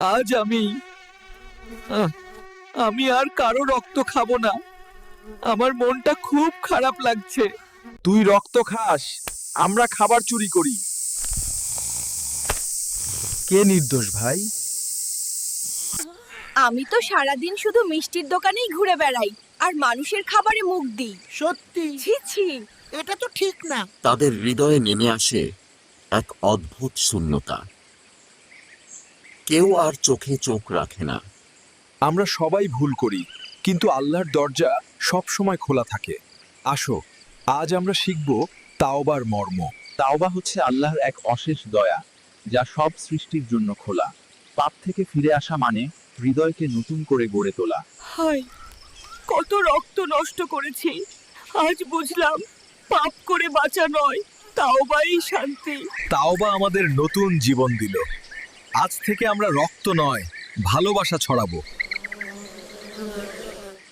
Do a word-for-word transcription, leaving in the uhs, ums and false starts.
আজ আমি আহ, আমি আর কারো রক্ত খাবো না। আমার মনটা খুব খারাপ লাগছে। তুই রক্ত খাস, আমরা খাবার চুরি করি। কে নির্দোষ ভাই? আমি তো সারাদিন শুধু মিষ্টির দোকানেই ঘুরে বেড়াই আর মানুষের খাবারে মুখ দিই। সত্যি ছি ছি। এটা তো ঠিক না। তাদের হৃদয়ে নেমে আসে এক অদ্ভুত শূন্যতা। কেউ আর চোখে চোখ রাখে না। আমরা সবাই ভুল করি, কিন্তু আল্লাহর দরজা সব সময় খোলা থাকে। আসো, আজ আমরা শিখব তাওবার মর্ম। তাওবা হচ্ছে আল্লাহর এক অশেষ দয়া, যা সব সৃষ্টির জন্য খোলা। পাপ থেকে ফিরে আসা মানে হৃদয়কে নতুন করে গড়ে তোলা। হায়, কত রক্ত নষ্ট করেছি। আজ বুঝলাম পাপ করে বাঁচা নয়, তাওবাই শান্তি। তাওবা আমাদের নতুন জীবন দিল। আজ থেকে আমরা রক্ত নয়, ভালোবাসা ছড়াবো।